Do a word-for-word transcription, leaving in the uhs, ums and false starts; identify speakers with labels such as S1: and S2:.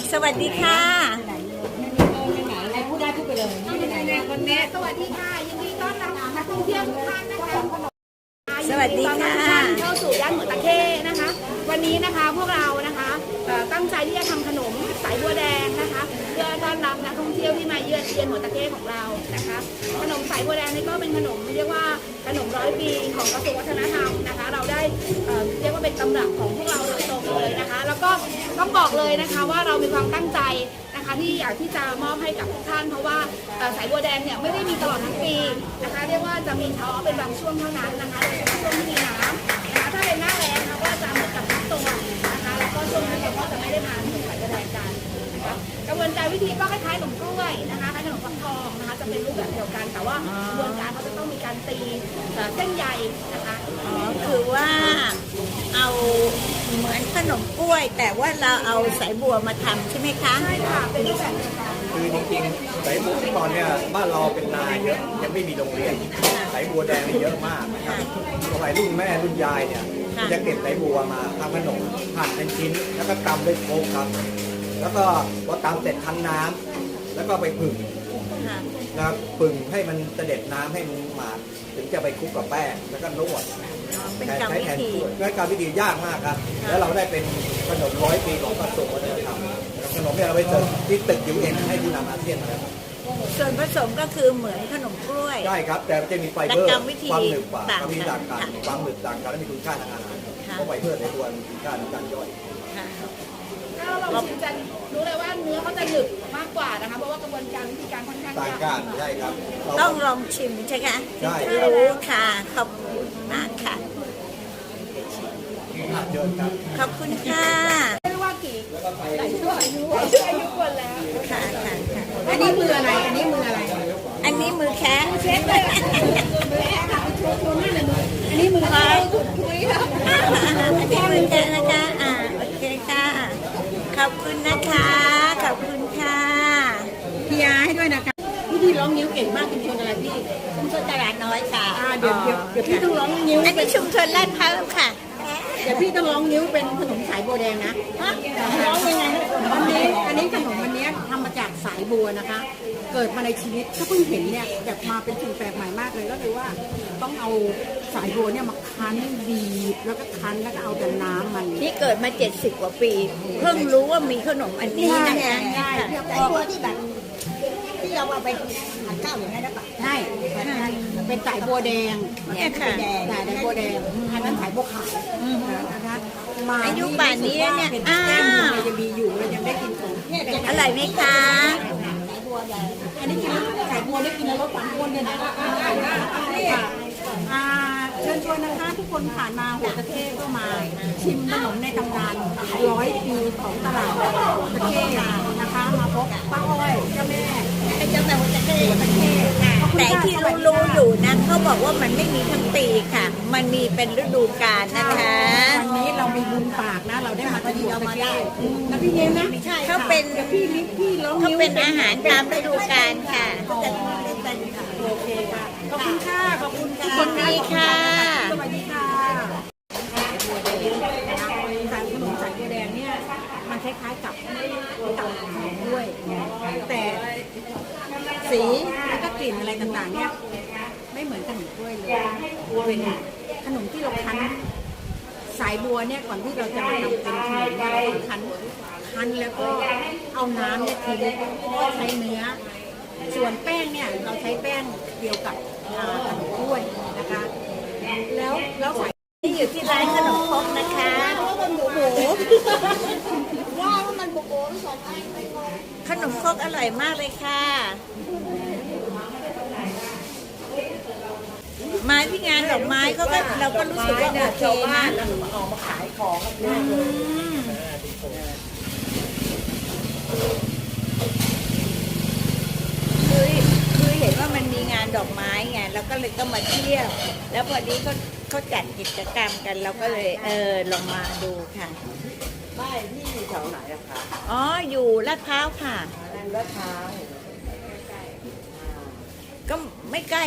S1: สวัสดีค่ะ
S2: พูดได้พูดไปเลยวันนี้สวัสดีค่ะยินดีต้อนรับนักท่องเที่ยวทุกท่านนะคะ
S1: สวัสดีค่ะ
S2: เข้าสู่ย่านหัวตะเข้นะคะวันนี้นะคะพวกเรานะคะตั้งใจที่จะทำขนมสายบัวแดงนะคะเพื่อต้อนรับนักท่องเที่ยวที่มาเยือนเยือนหัวตะเข้ของเรานะคะขนมสายบัวแดงนี่ก็เป็นขนมเรียกว่าขนมร้อยปีของกระทรวงวัฒนธรรมนะคะเราได้เรียกว่าเป็นตำรับของพวกเราโดยตรงเลยนะคะแล้วก็ต้องบอกเลยนะคะว่าเรามีความตั้งใจนะคะที่อยากที่จะมอบให้กับทุกท่านเพราะว่าสายบัวแดงเนี่ยไม่ได้มีตลอดทั้งปีนะคะเรียกว่าจะมีเฉพาะเป็นบางช่วงเท่านั้นนะคะโดยเฉพาะช่วงที่มีน้ำนะคะถ้าเป็นหน้าแล้งนะคะก็จะเหมือนกับทุกตัวนะคะแล้วก็ช่วงนั้นเราก็จะไม่ได้มาขนมสายบัวแดงกันนะคะกระบวนการวิธีก็คล้ายๆขนมกล้วยนะคะคล้ายขนมฟักทองนะคะจะเป็นรูปแบบเดียวกันแต่ว่ากระบวนการเขาจะต้องมีการตีเส้นใยนะคะ
S1: อ๋อคือว่าเอาเหมือนขนมกล้วยแต่ว่าเราเอาสายบัวมาทำใช่ไหมคะ
S2: ใช่ค่ะเป็นรูปแบบเดียวกัน
S3: คือจริงๆสายบัวที่ก่อนเนี่ยบ้านเราเป็นนาเยอะยังไม่มีโรงเรียนสายบัวแดงเยอะมากนะครับสมัยรุ่นแม่รุ่นยายเนี่ยจะเก็บสายบัวมาทำขนมหั่นเป็นชิ้นแล้วก็ตำด้วยโคกครับแล้วก็พอตำเสร็จคั้นน้ำแล้วก็ไปผึ่งนะครับผึ่งให้มันเสด็จน้ำให้มันหมาดถึงจะไปคลุกกับแป้งแล้วก็นวด
S1: เป็นกรรมวิธี
S3: เป็นการวิธียากมากครับแล้วเราได้เป็นขนมร้อยปีของกระทรวงวัฒนธรรมขนมเนี่ยเราไปเจอที่ตึกยูเอ็นให้ผู้นำอาเซียนมาแล้ว
S1: ส่วนผสมก็คือเหมือนขนมกล้วย
S3: ใช่ครับแต่จะมีไฟเบอร์ความหนึบกว่าความมีต่างกันความหนึบต่างกันและมีคุณค่าทางอาหารเพราะไฟเบอร์ในตัวมีคุณค่าในการย่อย
S2: ถ้าเราชิมจะรู้เลยว่าเนื้อเขาจะหนึบมากกว่านะคะเพราะว่ากระบวนการวิธีการค่อนข้าง
S3: ต่างกันใช่ครับ
S1: ต้องลองชิมใช่ไหม
S3: ใช่
S1: รู้ค่ะขอบคุณมากค่ะขอบคุณค่ะ
S2: ไม่รู้ว่ากี่หลายชั่วอายุชั่วอายุคนแล้ว
S1: ค่ะค่ะค่ะ
S2: อันนี้มืออะไรอันนี้มืออะไร
S1: อันนี้มือแค่
S2: เช็ดเลยมือแค่ค่ะโชว์โชว์นี่เลยมืออันนี้มืออะไรขุดคุยค่ะ
S1: อันนี้มือแค่นะคะอ่าโอเคค่ะขอบคุณนะคะขอบคุณค่ะ
S2: พี่ยาให้ด้วยนะคะพี่ที่ร้องนิ้วเก่งมากชุมชนอะไรพี่
S1: ชุมชนตลาดน้อยค่ะ
S2: เดี๋ยวเดี๋ยวเดี๋ยวพี่ต้องร้องนิ้ว
S1: อันนี้ชุมชนลาดพร้าวค่ะ
S2: เดี๋ยวพี่ต้องร้องนิ้วเป็นขนมสายบัวแดงนะร้องยังไงอันนี้อันนี้ขนมอันนี้ทำมาจากสายบัวนะคะเกิดมาในชีวิตถ้าเพิ่งเห็นเนี่ยแบบมาเป็นสิ่งแปลกใหม่มากเลยก็คือว่าต้องเอาสายบัวเนี่ยมาคั้นบีบแล้วก็คั้นแล้วก็เอาแต่น้ำมัน
S1: นี่เกิดมาเจ็ดสิบกว่าปีเพิ่งรู้ว่ามีขนมอันนี้นะคะ
S2: ใช่สายบัวที่แบบที่เราเอาไปผัดข้าวอย่างนี้ได้ปะใช่เป็นสายบัวแดง
S1: เนี่ยค่ะ
S2: สายบัวแดงอันนั้นสายบัวขาวนะคะ
S1: มาอายุป่านนี้เนี่ยอ้าว
S2: ยังมีอยู่เรายังได้กินของ
S1: อร่อยไหมคะ
S2: อันนี้กินสายบัวได้กินแล้วลดความอ้วนเลยนะเชิญชวนนะคะทุกคนผ่านมาหัวตะเข้ก็มาชิมขนมในตำนานร้อยปีของตลาดหัวตะเข้นะคะมาพบป้าอ้อยเจ้าแม่
S1: เจ้าแม่หัวตะเข้หัวตะเข้แต่ที่รู้ๆอยู่นะเขาบอกว่ามันไม่มีทั้งปีค่ะมันมีเป็นฤดูกาลนะคะ
S2: วันนี้เรามีบุญปากนะเราได้มาที่หัวตะเข้แล้วพี่เย็นนะ
S1: เขาเป็น
S2: พี่ลิฟพี่ร้อง
S1: เขาเป็นอาหารตามฤดูกาลค่ะ
S2: โอเคค่ะขอบคุณค่ะขอบคุณค่ะ
S1: สวัสดีค่ะ
S2: สวัสดีค่ะการขนมสายบัวแดงเนี่ยมันคล้ายๆกับกับขนมด้วยแต่สีแล้วก็กลิ่นอะไรต่างๆเนี่ยไม่เหมือนขนมกล้วยเลยเป็นขนมที่เราคั้นสายบัวเนี่ยก่อนที่เราจะมาทำเป็นขนมเนี่ยเราคั้นคั้นแล้วก็เอาน้ำเนี่ยทิ้งก็ใช้เนื้อส่วนแป้งเนี่ยเราใช้แป้งเดียวกับขนมกล้วยนะคะแล้วแล้วใส่
S1: ที่อยู่ที่ร้านขนมครกนะคะ
S2: ว่ามันโบโบว่ามันโบโบไม่สองไอ้
S1: ขนมครกอร่อยมากเลยค่ะมาที่งานดอกไม้เขาก็เราก็รู้สึกว่าโอเคนะ
S2: ออกมาขายของ
S1: คือคือเห็นว่ามันมีงานดอกไม้ไงเราก็เลยต้องมาเที่ยวแล้วพอดีเขาเขาจัดกิจกรรมกันเราก็เลยเออลองมาดูค่ะ
S2: บ้านที่อยู่แถวไหนอะคะ
S1: อ๋ออยู่ลาดพร้าวค่ะ
S2: ลาดพร้าว
S1: ก็ไม่ใกล้